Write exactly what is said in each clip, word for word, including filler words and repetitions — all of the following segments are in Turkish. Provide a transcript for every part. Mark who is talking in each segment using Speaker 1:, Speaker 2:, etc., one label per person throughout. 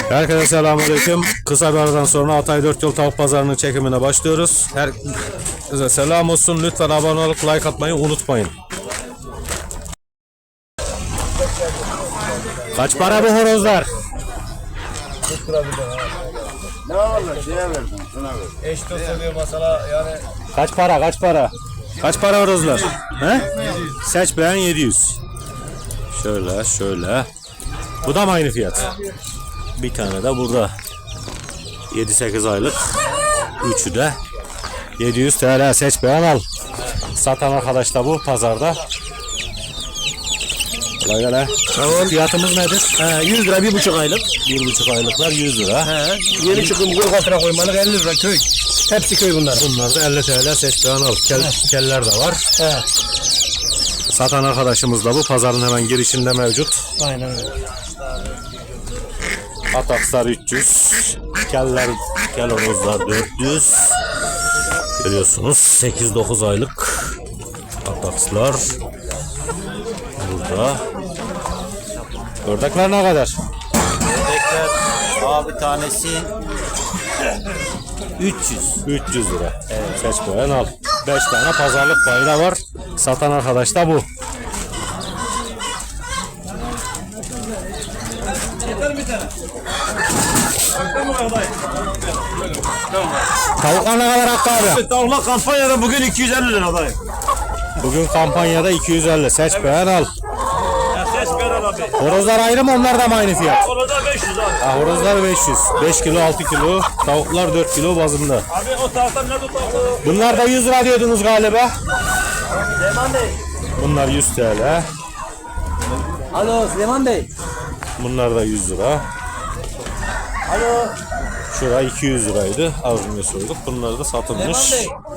Speaker 1: Herkese selamünaleyküm. Kısa bir aradan sonra Hatay dört Yol Tavuk Pazarı'nın çekimine başlıyoruz. Herkese selam olsun. Lütfen abone olup like atmayı unutmayın. Kaç para bu horozlar?
Speaker 2: Ne olur şeye verdim, şuna verdim.
Speaker 3: Eş dost oluyor mesela yani.
Speaker 1: Kaç para? Kaç para? Kaç para horozlar? He? Seç beğen yedi yüz. Şöyle şöyle. Bu da mı aynı fiyat? Bir tane de burada. yedi sekiz aylık. Üçü de yedi yüz T L. Seç beğen al. Satan arkadaş da bu pazarda. Kolay gele.
Speaker 3: Tamam.
Speaker 1: Fiyatımız nedir?
Speaker 3: He, yüz lira bir buçuk aylık.
Speaker 1: Bir buçuk aylıklar yüz lira.
Speaker 3: He, yeni çıkım kuru fatura koymalık elli lira köy. Hepsi köy bunlar.
Speaker 1: Bunlar da elli T L. Seç beğen al. Kel, keller de var.
Speaker 3: He.
Speaker 1: Satan arkadaşımız da bu. Pazarın hemen girişinde mevcut.
Speaker 3: Aynen öyle.
Speaker 1: Atakslar üç yüz. Keller, kel horozlar dört yüz. Görüyorsunuz sekiz dokuz aylık atakslar. Burada. Ördekler ne kadar?
Speaker 4: Ördekler abi tanesi üç yüz.
Speaker 1: üç yüz lira. Evet. Seç beğen al. beş tane pazarlık payı da var. Satan arkadaş da bu. Tavuklar ne kadar Hakkı abi?
Speaker 4: Tavuklar kampanyada bugün iki yüz elli lira dayı.
Speaker 1: Bugün kampanyada iki yüz elli. Seç beğen al.
Speaker 4: Ya ses ver abi.
Speaker 1: Horozlar ayrı mı, onlar da mı aynı fiyat?
Speaker 4: Orada beş yüz abi.
Speaker 1: Ha, horozlar beş yüz. beş kilo altı kilo. Tavuklar dört kilo bazında.
Speaker 4: Abi o taraftan ne tutalım?
Speaker 1: Bunlar da yüz lira diyordunuz galiba.
Speaker 4: Süleyman Bey.
Speaker 1: Bunlar yüz T L.
Speaker 4: Alo Süleyman Bey.
Speaker 1: Bunlar da yüz lira.
Speaker 4: Alo.
Speaker 1: Şura iki yüz liraydı. Az önce sorduk. Bunlar da satılmış.
Speaker 4: Süleyman Bey.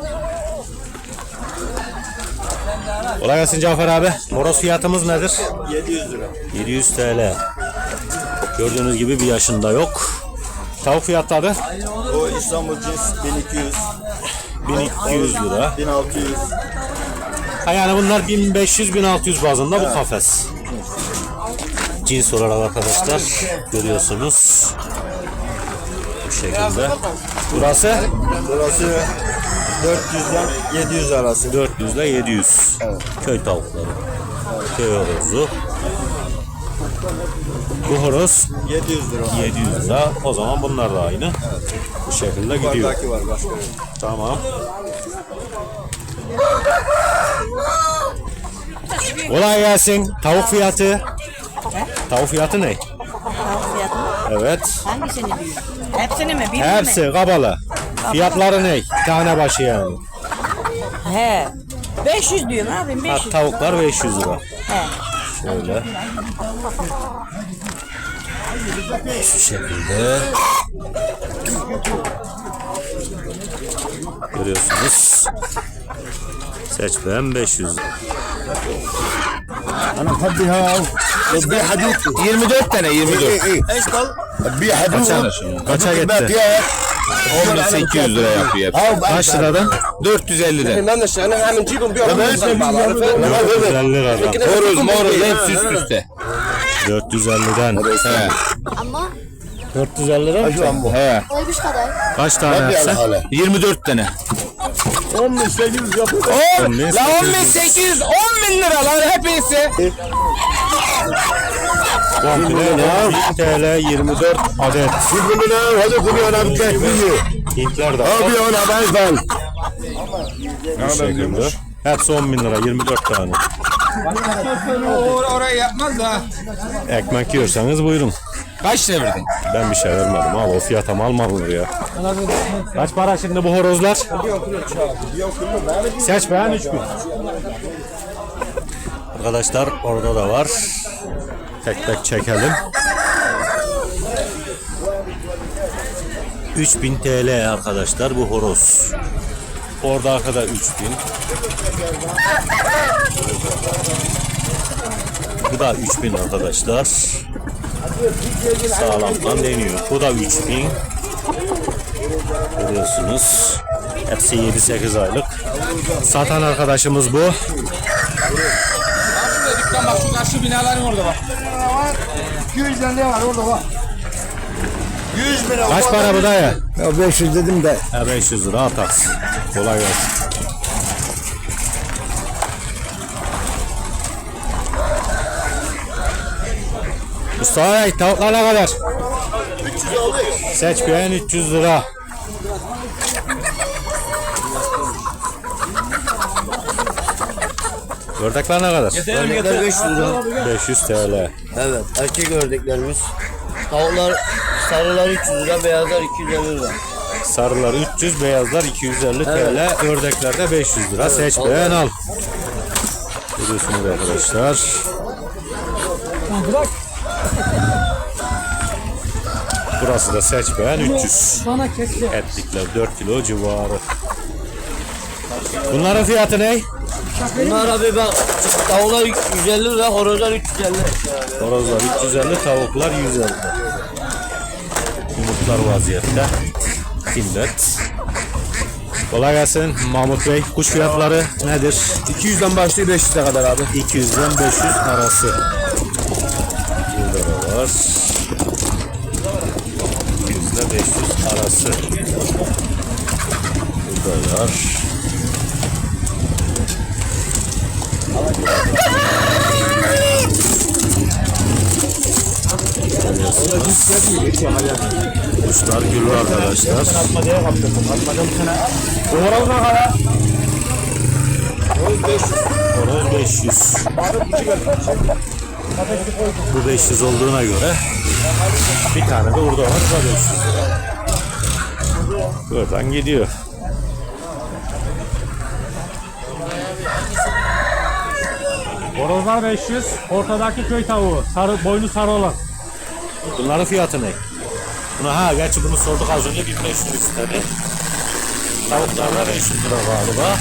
Speaker 1: Kolay gelsin Cafer abi. Horoz fiyatımız nedir?
Speaker 4: yedi yüz lira.
Speaker 1: yedi yüz T L. Gördüğünüz gibi bir yaşında yok. Tavuk fiyatları
Speaker 2: O İstanbul cins bin iki yüz,
Speaker 1: bin iki yüz lira.
Speaker 2: bin altı yüz.
Speaker 1: Ha, yani bunlar bin beş yüz bin altı yüz bazında bu kafes. Cins olarak arkadaşlar görüyorsunuz. Bu şekilde. Burası
Speaker 2: Burası dört yüzden yedi yüz arası.
Speaker 1: dört yüz ile yedi yüz.
Speaker 2: Evet.
Speaker 1: Köy tavukları. Köy horozu. Bu horoz
Speaker 2: yedi yüz lira.
Speaker 1: yedi yüz lira. O zaman bunlar da aynı. Bu şekilde gidiyor.
Speaker 2: Yukarıdaki var başka.
Speaker 1: Tamam. Kolay gelsin. Tavuk fiyatı. Tavuk fiyatı ne?
Speaker 5: Tavuk fiyatı mı?
Speaker 1: Evet.
Speaker 5: Hangisini büyük? Hepsini mi? Birini
Speaker 1: Hepsi
Speaker 5: mi?
Speaker 1: kabalı. Fiyatları ne? Tane başı yani.
Speaker 5: He. beş yüz diyorum abi.
Speaker 1: Ha,
Speaker 5: beş yüz.
Speaker 1: tavuklar beş yüz lira.
Speaker 5: He.
Speaker 1: Şöyle. Şu şekilde. Görüyorsunuz. Seç beğen beş yüz.
Speaker 2: Ana hadi ha. Bir hadut.
Speaker 3: yirmi dört tane yirmi dört.
Speaker 2: Eş kal. Bir hadut.
Speaker 1: Kaça gitti?
Speaker 3: on bin sekiz yüz lira yapıyor.
Speaker 1: Kaç liradan?
Speaker 3: dört yüz elli lira.
Speaker 2: Ben de şahane hemen cibim bir
Speaker 1: dört yüz elli liradan.
Speaker 3: Horoz moroz hepsi üst üste.
Speaker 1: dört yüz elliden.
Speaker 3: He.
Speaker 6: Ama
Speaker 1: dört yüz elli lira mı?
Speaker 3: He.
Speaker 6: oymuş kadar.
Speaker 1: Kaç tane yapsa?
Speaker 3: yirmi dört tane.
Speaker 2: on bin sekiz yüz yapıyor.
Speaker 1: on bin
Speaker 3: La on bin sekiz yüz on bin lira lan hepsi.
Speaker 1: Komple bin T L yirmi dört adet.
Speaker 2: Şimdi ne? Hadi kuruyor abi tekniği.
Speaker 1: Hintler de var.
Speaker 2: Abi ona ben ben.
Speaker 1: Bu şekilde. Hepsi on bin lira, yirmi dört tane.
Speaker 3: Orayı yapmaz da.
Speaker 1: Ekmek yiyorsanız buyurun.
Speaker 3: Kaç lira verdin?
Speaker 1: Ben bir şey vermedim abi, o fiyata mal mı alınır ya? Kaç para şimdi bu horozlar? Seç beğen üç bin. Arkadaşlar orada da var. Tek tek çekelim. üç bin T L arkadaşlar bu horoz. Orada arkada üç bin. Bu da üç bin arkadaşlar. Sağlamdan deniyor. Bu da üç bin. Görüyorsunuz. Hepsi yedi sekiz aylık. Satan arkadaşımız bu.
Speaker 3: Bak şu karşı binaların orada bak.
Speaker 2: iki yüz elli var orada var.
Speaker 4: yüz lira.
Speaker 1: Kaç para bu dayı?
Speaker 3: Ya beş yüz dedim de.
Speaker 1: Ha beş yüz lira ataks. Kolay gelsin. Mustafa Bey tavuklar ne kadar? Seç beğen üç yüz lira. Ördekler ne kadar?
Speaker 2: Ördekler beş yüz lira.
Speaker 1: beş yüz T L.
Speaker 2: Evet, erkek ördeklerimiz. Tavuklar, sarılar üç yüz lira, beyazlar iki yüz elli lira.
Speaker 1: Sarılar üç yüz, beyazlar iki yüz elli T L. Ördekler de beş yüz lira. Seç
Speaker 2: al.
Speaker 1: beğen al. Görüyorsunuz arkadaşlar. Burası da seç beğen üç yüz. Etlikler dört kilo civarı. Bunların fiyatı ne?
Speaker 2: Bunlar abi bak, tavuklar yüz elli lira, horozlar üç yüz elli.
Speaker 1: Horozlar üç yüz elli, tavuklar yüz elli. Yumurtlar vaziyette. Timlet. Kolay gelsin Mahmut Bey. Kuş fiyatları nedir?
Speaker 3: iki yüzden başlıyor beş yüze kadar abi.
Speaker 1: iki yüzden beş yüz arası. Burada var. iki yüz ile beş yüz arası. Burada var. Kuşlar gülü arkadaşlar. Horoz beş yüz. Bu beş yüz olduğuna göre bir tane de burada var. Bu da beş yüz. Buradan gidiyor.
Speaker 6: Horozlar beş yüz, ortadaki köy tavuğu, sarı, boynu sarı olan.
Speaker 1: Bunların fiyatı ne? Buna ha gerçi bunu sorduk az önce bin beş yüz istedi. Tavuklarla beş yüz lira galiba.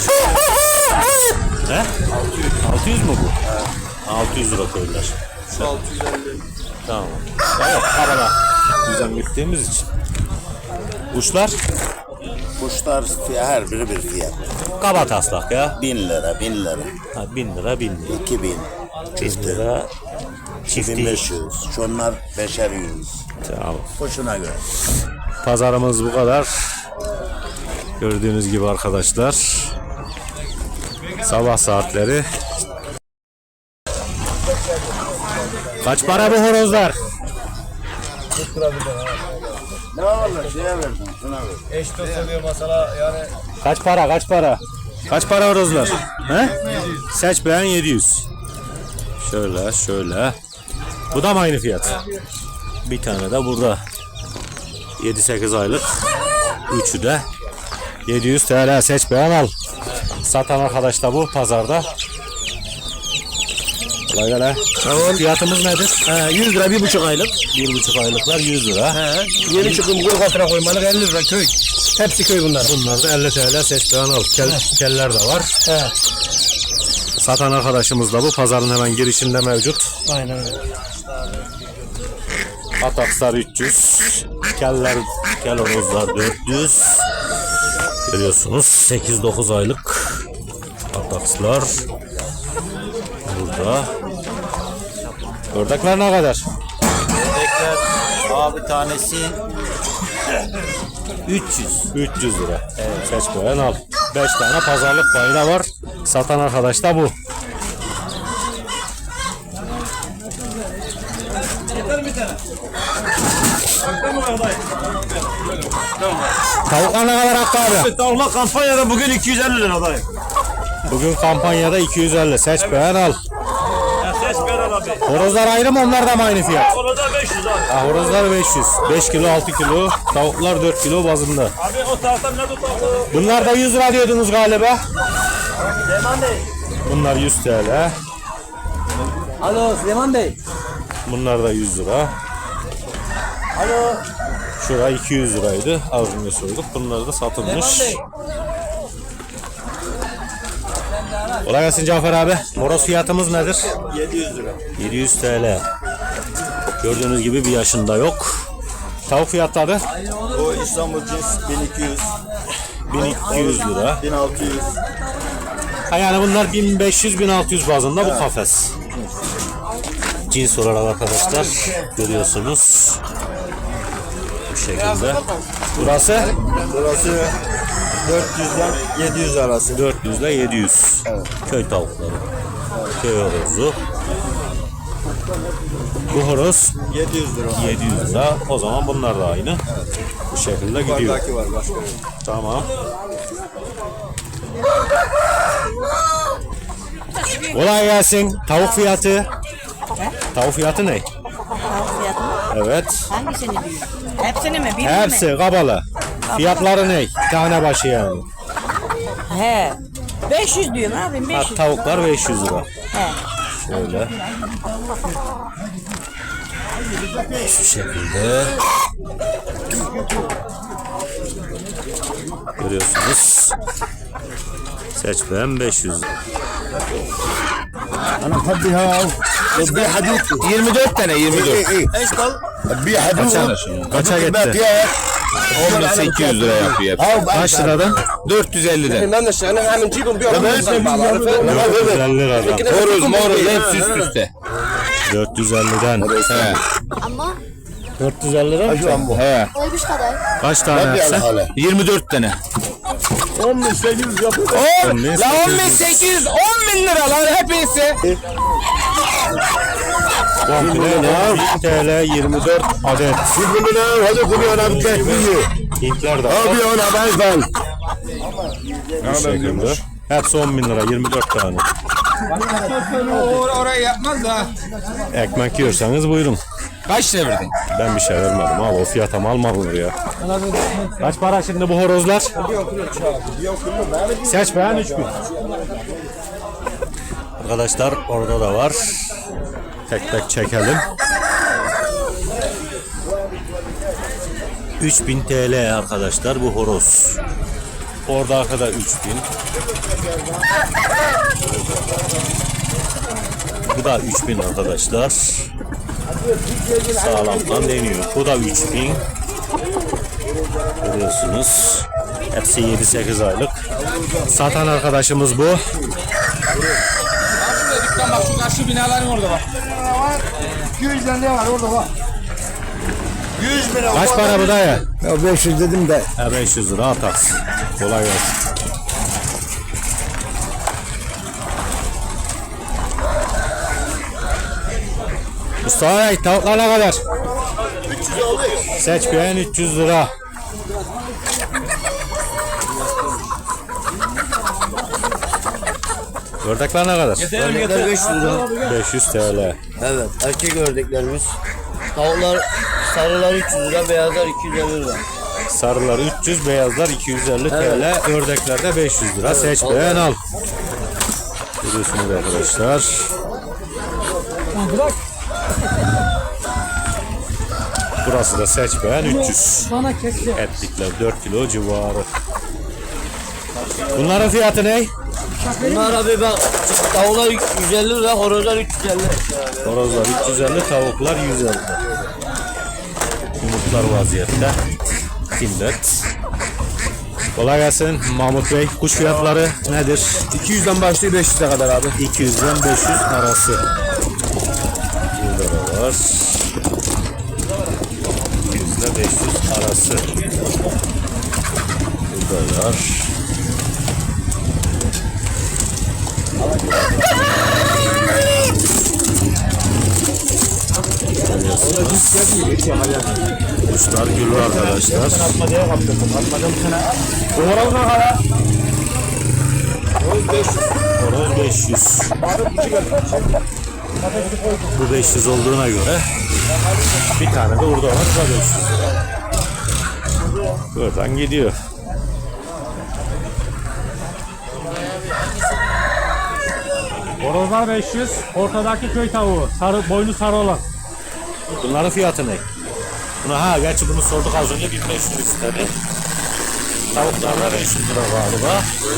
Speaker 1: He? altı yüz mu bu? altı yüz lira koydular.
Speaker 2: Şu altı yüz elli.
Speaker 1: Tamam. Evet, arada düzen gittiğimiz için. Kuşlar
Speaker 4: Kuşlar fiy- her biri bir fiyat.
Speaker 1: kaba taslak ya.
Speaker 4: Bin lira, bin lira,
Speaker 1: Ha, bin lira bin lira.
Speaker 4: iki bin,
Speaker 1: Bin lira
Speaker 4: bin
Speaker 1: çifti.
Speaker 4: beş yüz. Şunlar beşer yüz.
Speaker 1: Tamam.
Speaker 4: Kuşuna göre.
Speaker 1: Pazarımız bu kadar. Gördüğünüz gibi arkadaşlar. Sabah saatleri. Kaç para bu horozlar?
Speaker 4: Ne olur şeye verdim, şuna ver.
Speaker 3: Eş dost oluyor mesela yani.
Speaker 1: Kaç para kaç para? Kaç para horozlar? He? Seç beğen yedi yüz. Şöyle şöyle. Bu da mı aynı fiyat? Bir tane de burada. yedi sekiz aylık. Üçü de yedi yüz T L. Seç beğen al. Satan arkadaş da bu pazarda. Kolay gele.
Speaker 3: Tamam.
Speaker 1: Fiyatımız nedir?
Speaker 3: He, yüz lira bir buçuk aylık.
Speaker 1: Bir buçuk aylıklar yüz lira.
Speaker 3: He. Yeni çıkım kuyruk altına koymalık elli lira köy. Hepsi köy bunlar.
Speaker 1: Bunlar da elli T L. Seç beğen al. Kel, keller de var.
Speaker 3: He.
Speaker 1: Satan arkadaşımız da bu. Pazarın hemen girişinde mevcut.
Speaker 3: Aynen öyle.
Speaker 1: Atakslar üç yüz. Keller, kel horozlar dört yüz. Görüyorsunuz sekiz dokuz aylık atakslar. Burada. Ördekler ne kadar?
Speaker 2: Ördekler abi tanesi üç yüz.
Speaker 1: üç yüz lira. Evet. Seç beğen al. beş tane pazarlık payı da var. Satan arkadaş da bu. Tavuklar ne kadar Hakkı abi?
Speaker 3: Tavuklar kampanyada bugün iki yüz elli lira dayı.
Speaker 1: Bugün kampanyada iki yüz elli. Seç beğen al.
Speaker 3: Ses ver abi.
Speaker 1: Horozlar ayrı mı, onlar da mı aynı fiyat?
Speaker 3: Orada beş yüz abi.
Speaker 1: Ha, horozlar beş yüz. beş kilo altı kilo. Tavuklar dört kilo bazında.
Speaker 3: Abi o taraftan ne tutalım?
Speaker 1: Bunlar da yüz lira diyordunuz galiba.
Speaker 4: Süleyman Bey.
Speaker 1: Bunlar yüz T L.
Speaker 4: Alo Süleyman Bey.
Speaker 1: Bunlar da yüz lira.
Speaker 4: Alo.
Speaker 1: Şura iki yüz liraydı. Az önce sorduk. Bunlar da satılmış. Kolay gelsin Cafer abi. Moroz fiyatımız nedir?
Speaker 4: yedi yüz lira.
Speaker 1: yedi yüz T L. Gördüğünüz gibi bir yaşında yok. Tavuk fiyatları
Speaker 4: O İstanbul cins bin iki yüz,
Speaker 1: bin iki yüz lira.
Speaker 4: bin altı yüz.
Speaker 1: Ha, yani bunlar bin beş yüz bin altı yüz bazında bu kafes. Cins olarak arkadaşlar görüyorsunuz. Bu şekilde. Burası
Speaker 4: Burası dört yüzden yedi yüz arası.
Speaker 1: dört yüz ile yedi yüz. Köy tavukları. Köy horozu. Bu horoz
Speaker 4: yedi yüz lira.
Speaker 1: yedi yüz lira. O zaman bunlar da aynı. Bu şekilde gidiyor.
Speaker 4: Yukarıdaki var başka.
Speaker 1: Tamam. Kolay gelsin. Tavuk fiyatı. Tavuk fiyatı ne?
Speaker 5: Tavuk fiyatı mı?
Speaker 1: Evet.
Speaker 5: Hangisini diyor? Hepsini mi? Birini mi?
Speaker 1: Hepsi kabalı. Fiyatları ne? Tane başı yani.
Speaker 5: He. beş yüz diyorum abim,
Speaker 1: Ha,
Speaker 5: beş yüz.
Speaker 1: tavuklar beş yüz lira.
Speaker 5: He.
Speaker 1: Şöyle. Şu şekilde. Görüyorsunuz. Seç beğen beş yüz lira.
Speaker 3: انا بحبي هاو ببيع حدود yirmi dört tane yirmi dört.
Speaker 4: Eş kal.
Speaker 3: ببيع حدود
Speaker 1: Kaça gitti?
Speaker 3: on bin sekiz yüz lira yapıyor.
Speaker 1: Kaç liradan?
Speaker 3: dört yüz elliden.
Speaker 4: Ben de şahane hemen cibim bir
Speaker 1: dört yüz elli liradan.
Speaker 3: Horoz moroz hepsi üst üste.
Speaker 1: dört yüz elliden.
Speaker 3: He.
Speaker 7: Ama
Speaker 1: dört yüz elli lira mı?
Speaker 3: He.
Speaker 7: oymuş kadar.
Speaker 1: Kaç tane yapsa?
Speaker 3: yirmi dört tane.
Speaker 1: on bin sekiz yüz.
Speaker 3: La on bin sekiz yüz on bin lira lan hepsi.
Speaker 1: Komple bin T L yirmi dört adet.
Speaker 3: Hadi kuruyor abi tekniği.
Speaker 1: Hintler de var.
Speaker 3: Abi ona ben ben.
Speaker 1: Bu şekilde. Hepsi on bin lira yirmi dört tane.
Speaker 3: Orayı yapmaz da.
Speaker 1: Ekmek yiyorsanız buyurun.
Speaker 3: Kaç lira verdin?
Speaker 1: Ben bir şey vermedim abi, o fiyata mal mı alınır ya? Kaç para şimdi bu horozlar? Seç beğen üç bin. Arkadaşlar orada da var. Tek tek çekelim. üç bin T L arkadaşlar bu horoz. Orada arkada üç bin. Bu da üç bin arkadaşlar. Sağlamdan deniyor. Bu da üç bin. Görüyorsunuz. Hepsi yedi sekiz aylık. Satan arkadaşımız bu.
Speaker 3: Dükkan bak şu karşı binaların orada bak. iki yüz ne var orada bak.
Speaker 4: yüz lira.
Speaker 1: Kaç para bu da ya?
Speaker 3: Ya beş yüz dedim de.
Speaker 1: Ha, beş yüz lira atarsın. Kolay gelsin. Mustafa Bey tavuklar ne kadar?
Speaker 4: üç yüz oldu.
Speaker 1: Seç beğen üç yüz lira. Ördekler ne kadar?
Speaker 2: Ördekler beş yüz lira.
Speaker 1: beş yüz T L.
Speaker 2: Evet, erkek ördeklerimiz. Tavuklar, sarılar üç yüz lira, beyazlar iki yüz elli lira.
Speaker 1: Sarılar üç yüz, beyazlar iki yüz elli T L, ördekler de beş yüz lira. Seç
Speaker 2: al.
Speaker 1: beğen al. Görüyorsunuz arkadaşlar. Burası da seç beğen üç yüz. Etlikler dört kilo civarı. Bunların fiyatı ne?
Speaker 2: Bunlar abi bak, tavuklar yüz elli lira, horozlar üç yüz elli.
Speaker 1: Horozlar üç yüz elli, tavuklar yüz elli. Yumurtlar vaziyette. Timlet. Kolay gelsin Mahmut Bey. Kuş fiyatları nedir?
Speaker 3: iki yüzden başlıyor beş yüze kadar abi.
Speaker 1: iki yüzden beş yüz arası. Burada da var. iki yüz ile beş yüz arası. Burada var. Kuşlar gülü arkadaşlar. Horoz beş yüz. Bu beş yüz olduğuna göre bir tane de orada var. Bu da beş yüz. Buradan gidiyor.
Speaker 6: Horozlar beş yüz. Ortadaki köy tavuğu. Sarı, boynu sarı olan.
Speaker 1: Bunların fiyatı ne? Buna ha gerçi bunu sorduk az önce bin beş yüz istedi. Tavuklarla beş yüz lira galiba.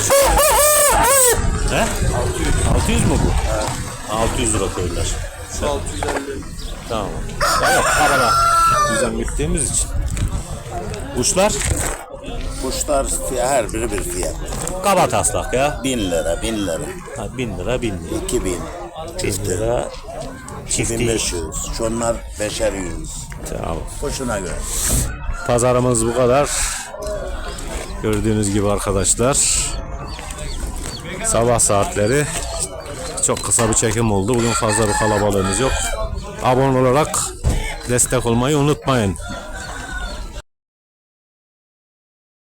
Speaker 1: He? altı yüz mu bu? altı yüz lira koydular.
Speaker 4: altı yüz elli.
Speaker 1: Tamam. Evet, araba. Düzen gittiğimiz için. Kuşlar
Speaker 8: Kuşlar fiy- her biri bir fiyat.
Speaker 1: kaba taslak ya.
Speaker 8: Bin lira, bin lira,
Speaker 1: Ha, bin lira bin lira.
Speaker 8: iki bin,
Speaker 1: Bin lira.
Speaker 8: bin
Speaker 1: Çifti.
Speaker 8: beş yüz. Şunlar beşer yüz.
Speaker 1: Tamam.
Speaker 8: Kuşuna göre.
Speaker 1: Pazarımız bu kadar. Gördüğünüz gibi arkadaşlar. Sabah saatleri. Çok kısa bir çekim oldu. Bugün fazla bir kalabalığımız yok. Abone olarak destek olmayı unutmayın.